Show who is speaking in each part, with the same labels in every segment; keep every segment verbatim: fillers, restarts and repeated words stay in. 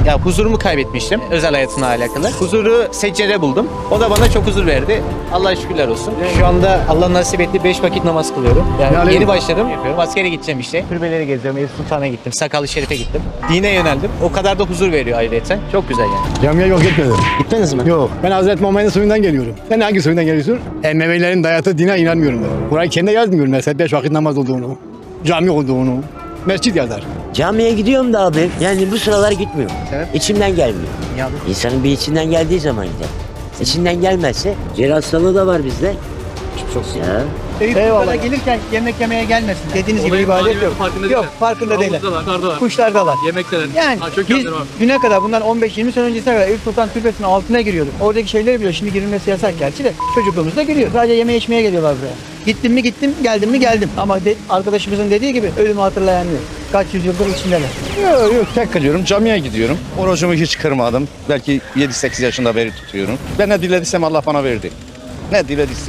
Speaker 1: Ya huzurumu kaybetmiştim özel hayatımla alakalı. Huzuru seccere buldum. O da bana çok huzur verdi. Allah'a şükürler olsun. Şu anda Allah nasip etti beş vakit namaz kılıyorum. Yani,
Speaker 2: Yani-
Speaker 1: yeni başladım. Yapıyorum. Askere gideceğim işte. Türbeleri geziyorum. Eyüp Sultan'a gittim. Sakallı Şerif'e gittim. Dine yöneldim. O kadar da huzur veriyor ayrıyeten. Çok güzel yani.
Speaker 2: Camiye yok gitmedim.
Speaker 1: Gittiniz mi?
Speaker 2: Yok. Ben Hazreti Muhammed'in soyundan geliyorum. Sen hangi soyundan geliyorsun? Emevilerin dayattığı dine inanmıyorum ben. Kur'an-ı Kerim'de yazmıyorum mesela beş vakit namaz olduğunu, cami olduğunu. Mescit yazar.
Speaker 3: Camiye gidiyorum da abi. Yani bu sıralar gitmiyorum.
Speaker 1: Sebep?
Speaker 3: İçimden gelmiyor.
Speaker 1: Ya,
Speaker 3: İnsanın bir içinden geldiği zaman gider. İçinden gelmezse, ciğer hastalığı da var bizde. Çok ya.
Speaker 4: Eyüp Sultan'a gelirken yemek yemeye gelmesin. Dediğiniz gibi ibadet yok. Yok, farkında değiller. Kuşlardalar.
Speaker 5: Yemekteler.
Speaker 4: Yani
Speaker 5: Ha, çok
Speaker 4: biz
Speaker 5: yanları var.
Speaker 4: düne kadar bundan on beş yirmi sene öncesine kadar Eyüp Sultan Türbesi'nin altına giriyorduk. Oradaki şeyleri biliyor. Şimdi girilmesi yasak gerçi de. Çocukluğumuzda giriyor. Sadece yeme içmeye geliyorlar buraya. Gittim mi gittim, geldim mi geldim. Ama de, arkadaşımızın dediği gibi ölümü hatırlayan yok. Kaç yüzyıldır içindeler.
Speaker 6: Yok yok tek kalıyorum camiye gidiyorum. Orucumu hiç kırmadım. Belki yedi sekiz yaşında beri tutuyorum. Ben ne dilediysem Allah bana verdi. Ne dilediysem.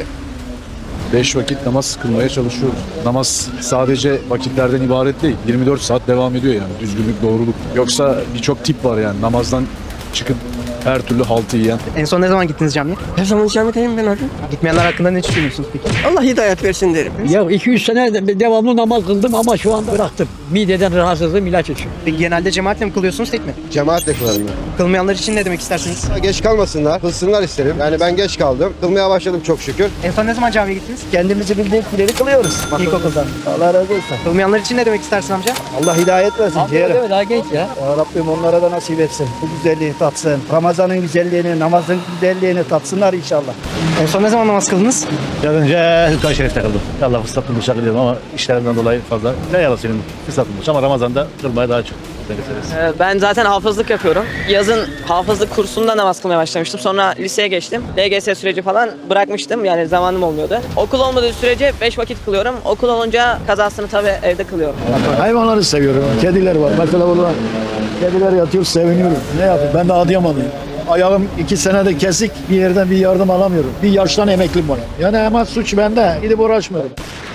Speaker 7: Beş vakit namaz kılmaya çalışıyoruz. Namaz sadece vakitlerden ibaret değil. yirmi dört saat devam ediyor yani. Düzgünlük, doğruluk. Yoksa birçok tip var yani. Namazdan çıkıp her türlü haltı yiyen.
Speaker 4: En son ne zaman gittiniz camiye?
Speaker 8: Her zaman camiye ben abi.
Speaker 4: Gitmeyenler hakkında ne düşünüyorsunuz peki?
Speaker 8: Allah hidayet versin derim.
Speaker 9: Ya iki üç sene de- devamlı namaz kıldım ama şu anda bıraktım. Mideden rahatsızlığım ilaç içiyorum.
Speaker 4: Peki genelde cemaatle mi kılıyorsunuz tek mi?
Speaker 10: Cemaatle kılarım ben.
Speaker 4: Kılmayanlar için ne demek istersiniz?
Speaker 10: Geç kalmasınlar, kılsınlar isterim. Yani ben geç kaldım. Kılmaya başladım çok şükür.
Speaker 4: En son ne zaman camiye gittiniz?
Speaker 2: Kendimizi bildiğimiz kılıyoruz.
Speaker 4: İlkokulda.
Speaker 2: Allah razı olsun.
Speaker 4: Kılmayanlar için ne demek istersin amca?
Speaker 2: Allah hidayet versin. ciğerim.
Speaker 9: Değil mi? Daha genç ya.
Speaker 2: Ya Rabbim onlara da nasip etsin. Bu güzelliği tatsın. Ramazan'ın güzelliğini, namazın güzelliğini tatsınlar inşallah.
Speaker 4: En son ne zaman namaz kıldınız?
Speaker 11: Biraz önce Hülkan Şerif'te kıldım. Allah fırsat bulmuş kılıyorum ama işlerimden dolayı fazla. Ne yalan senin fırsat bulmuş ama Ramazan'da kılmaya daha çok.
Speaker 8: Ben zaten hafızlık yapıyorum. Yazın hafızlık kursunda namaz kılmaya başlamıştım. Sonra liseye geçtim. L G S süreci falan bırakmıştım. Yani zamanım olmuyordu. Okul olmadığı sürece beş vakit kılıyorum. Okul olunca kazasını tabii evde kılıyorum.
Speaker 2: Hayvanları seviyorum. Kediler var. Mesela burada kediler yatıyor seviniyorum. Ne yapayım? Ben de Adıyamanlıyım. Ayağım iki senede kesik bir yerden bir yardım alamıyorum. Bir yaştan emeklim var. Yani hemen suç bende. Gidip uğraşmıyorum.